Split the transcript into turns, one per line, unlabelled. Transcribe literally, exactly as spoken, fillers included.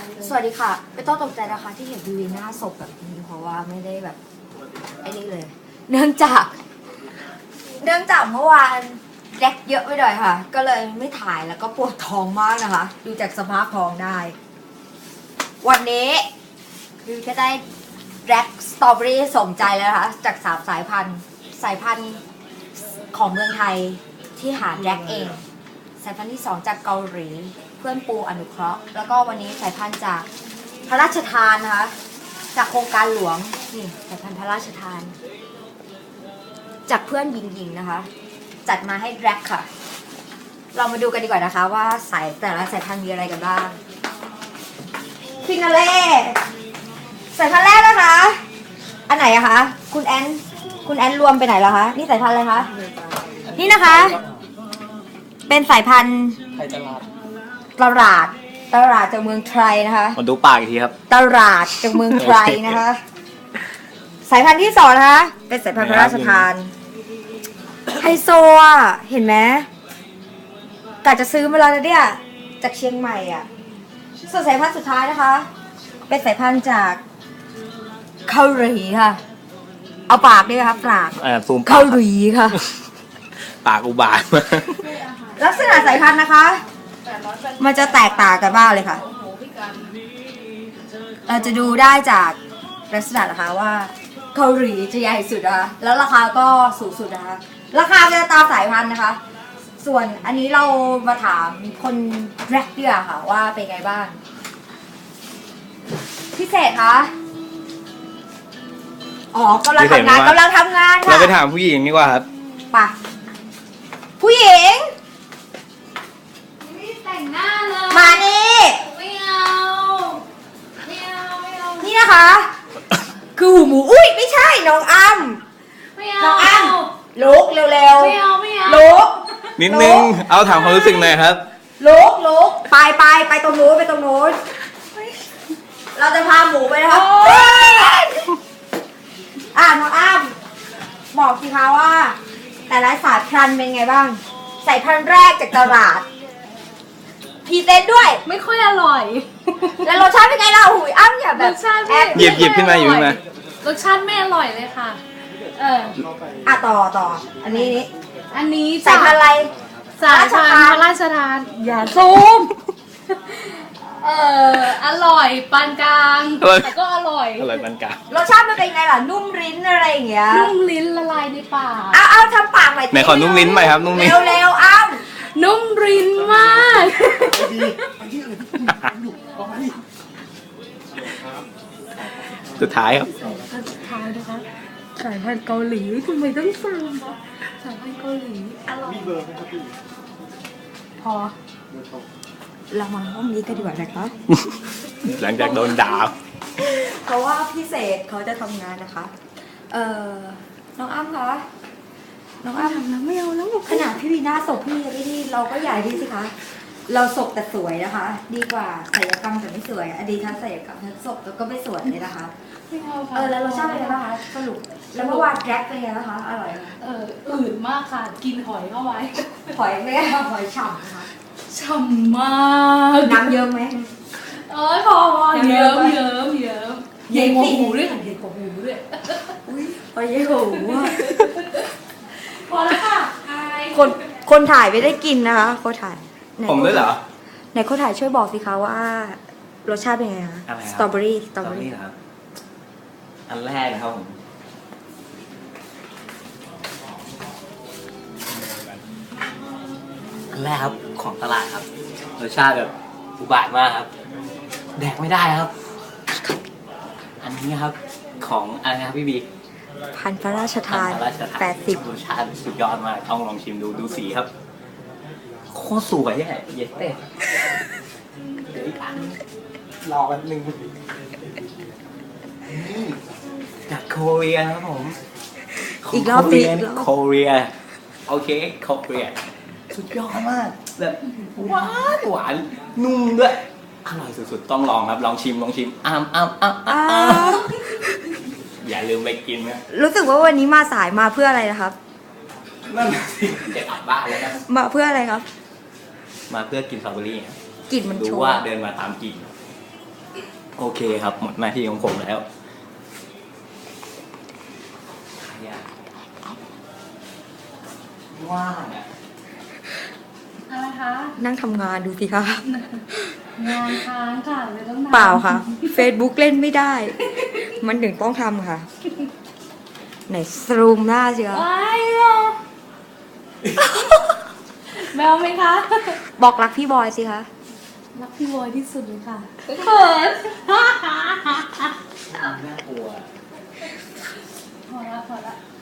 สวัสดีค่ะไม่ต้องตกใจนะคะที่เห็นวีหน้าศพแบบนี้เพราะว่าไม่ได้แบบไอ้นี่เลย เนื่องจาก เนื่องจากเมื่อวานแดกเยอะไปหน่อยค่ะ ก็เลยไม่ถ่ายแล้วก็ปวดท้องมากนะคะ ดูจากสภาพท้องได้ วันนี้วิวจะได้แดกสตรอเบอรี่สมใจแล้วนะคะจากสามสายพันธุ์สายพันธุ์ของเมืองไทยที่หาแดกเอง สายพันธุ์ที่สองจากเกาหลีเพื่อนปูอนุเคราะห์แล้วก็วันนี้สายพันธุ์จากพระราชทานนะคะจากโครงการหลวงนี่สายพันธุ์พระราชทาน จากเพื่อนหญิงๆนะคะ จัดมาให้แร็กค่ะ เรามาดูกันดีกว่านะคะ ว่าสายแต่ละสายพันธุ์มีอะไรกันบ้างฟินาเล่สายพันธุ์แรกนะคะ อันไหนอะคะคุณแอนคุณแอนรวมไปไหนแล้วคะนี่สายพันธุ์อะไรคะนี่นะคะ เป็นสายพันธุ์
ไทยตลาด
ตลาดตลาดจากเมืองไทยนะคะ
มาดูปากอีกทีครับ
ตลาดจากเมืองไทยนะคะ สายพันธุ์ที่สองนะคะเป็นสายพันธุ์พระราชทานไฮโซอ่ะเห็นไหมกะจะซื้อมาแล้วนะเนี่ยจากเชียงใหม่อ่ะส่วนสายพันธุ์สุดท้ายนะคะ เป็นสายพันธุ์จากเกาหลีค่ะ เอาปากด้วยค่ะปาก
อ่าซูมปาก
เกาหลีค่ะ
ปากอุบาทมาก
ลักษณะสายพันธุ์นะคะ มันจะแตกต่างกันมากเลยค่ะ เราจะดูได้จากลักษณะนะคะว่าเกาหลีจะใหญ่สุดนะคะแล้วราคาก็สูงสุดนะคะ ราคาจะตามสายพันธุ์นะคะ ส่วนอันนี้เรามาถามคนแรกดีกว่าค่ะว่าเป็นไงบ้าง พิเศษคะอ๋อกำลังทำงานกำลังทำงานค่ะ
เราไปถามผู้หญิงดีกว่าครับ
ไปผู้หญิง
ไม่ได้แต่งหน้าเลย
มานี่
ไม่เอาไม่เอาไม่เอา
นี่นะคะ คือหูหมูอุ้ยไม่ใช่น้องอ้ำ
ไม่เอา
น้องอ้ำลุกเร็ว
ไม่เอาไม่เอา
ๆลุก
นิดนึง เอาถามความรู้สึกหน่อยครับ
ลุกลุกไปไปไปตรงนู้นไปตรงนู้นเราจะพาหมูไปนะคะอ่ะน้องอ้ำบอกสิคะว่า แต่ละสายพันธุ์เป็นไงบ้างสายพันธุ์แรกจากตลาดพรีเซนต์ด้วย
ไม่ค่อยอร่อย
แล้วรสชาติเป็นไงล่ะหุยอ้ำอย่าแบ
ร
บ
สชาติ
แอ
ไม่
บ
หยิบหยิบขึ้นมาหยิบขึ้นมา
รสชาติไม่อร่อยเลยค่ะ เออ
อ่ะต่อต่ออันนี้นี่
อันนี้
สายพันธุ์อะไร
สายพันธุ์พระราชทาน อย่าซูม เอออร่อยปานกลาง
อร่อย
แต่ก็อร่อย
อร่อยปานกลาง
รสชาติมันเป็นไงล่ะนุ่มลิ้นอะไรอย่างเงี้ย
นุ่มลิ้นละลายในปาก
เอาเอาทำปากใหม่
ไหนขอนุ่มลิ้นใหม่ครับนุ่มลิ้น
เร็วเร็วๆอ้ำ
นุ่มลิ้นมาก
สุดท้ายครับ
สุดท้ายนะคะสายพันธุ์เกาหลีทำไมต้องซูมสายพันธุ์เกาหลีอร่อย
พอเรามาห้องนี้กันดีกว่านะครับ
หลังจากโดนด่า
เพราะว่าพี่เศษเขาจะทำงานนะคะ เอ่อ น้องอ้ำคะ น้องอ้ำแล้วไม่เอาแล้วขนาดพี่วีน่าศพพี่พี่ที่เราก็ใหญ่ดีสิคะ เราศพแต่สวยนะคะ ดีกว่าศัลยกรรมแต่ไม่สวยอดีตทั้งศัลยกรรมทั้งศพแล้วก็ไม่สวยเลยนะคะ
ไม่เอาค่ะ
เออแล้วรสชาติเป็นไงบ้างคะสรุปแล้วเมื่อวานแดกเป็นไงบ้างคะอร่อยไหม
เอออื่นมากค่ะ กินหอยเข้าไว้
หอยไม่ได้หอยฉ่ำนะคะ
ฉ่ำมาก
น้ำเยอะไหม
เอ้ยพอพอ
เยิ้
เยิ้
ม
ม
ไหม
เยิ้มเยิ้ม
เยิ้
เย็น
ม
กว่า
สิ
หูด้วยค่ะเย็นกว่าหูด้วย
อุ้ยหอยเยี่ยวอ่ะ
พอแล้วค่ะอาย
คนคนถ่ายไม่ได้กินนะคะคนถ่ายไหน
ผมด้วยเหรอ
ไหนคนถ่ายช่วยบอกสิคะว่ารสชาติเป็นไงคะ
อะไรครับ
สตรอเบอรี่สตรอเบอรี่
เหรอครับ อันแรกนะครับผม อันแรกครับของตลาดครับ รสชาติแบบอุบาทมากครับ แดกไม่ได้ครับ อันนี้ครับ ของอะไรนะครับพี่บี
พันธุ์พระราชทาน
พระราชทาน
แปดสิบ
รสชาติสุดยอดมากต้องลองชิมดูดูสีครับ โคตรสวยอ่ะเย็ดเต้เดี๋ยวอีกอันรอแป๊บนึงนี่จากโคเรียนะครับผม
อีกรอบ
โค
สิ
เรีย
อีกรอบ
โคเรียโอเคโคเรียสุดยอดมากแบบหวานหวานนุ่มด้วยอร่อยสุดๆต้องลองครับลองชิมลองชิมอ้ามอ้ามอ้ามอ้า
อ้าม ว
อย่าลืมไปกินนะ
รู้สึกว่าวันนี้มาสายมาเพื่ออะไรนะครับ
นั่นน่ะสิจะกลับบ้านแล้วนะ
มาเพื่ออะไรครับ
มาเพื่อกินสตรอเบอรี่ครับ
กลิ่นมัน
ดู
โช
ว่า
ว์
เดินมาตามกลิ่นโอเคครับ หมดหน้าที่ของผมแล้วว่างอ่ะ
อะไรคะ
นั่งทำงานดูสิคะ
งานค้างค่ะเลยต้องทำ
เปล่าค่ะ Facebook เล่นไม่ได้ มันถึงต้องทำค่ะ ไหนซูมหน้าเชียว
ว้ายเหรอแมวไหมคะ
บอกรักพี่บอยสิคะ
รักพี่บอยที่สุดเลยค่ะเขิน
น่ากลัว
พอละพอละ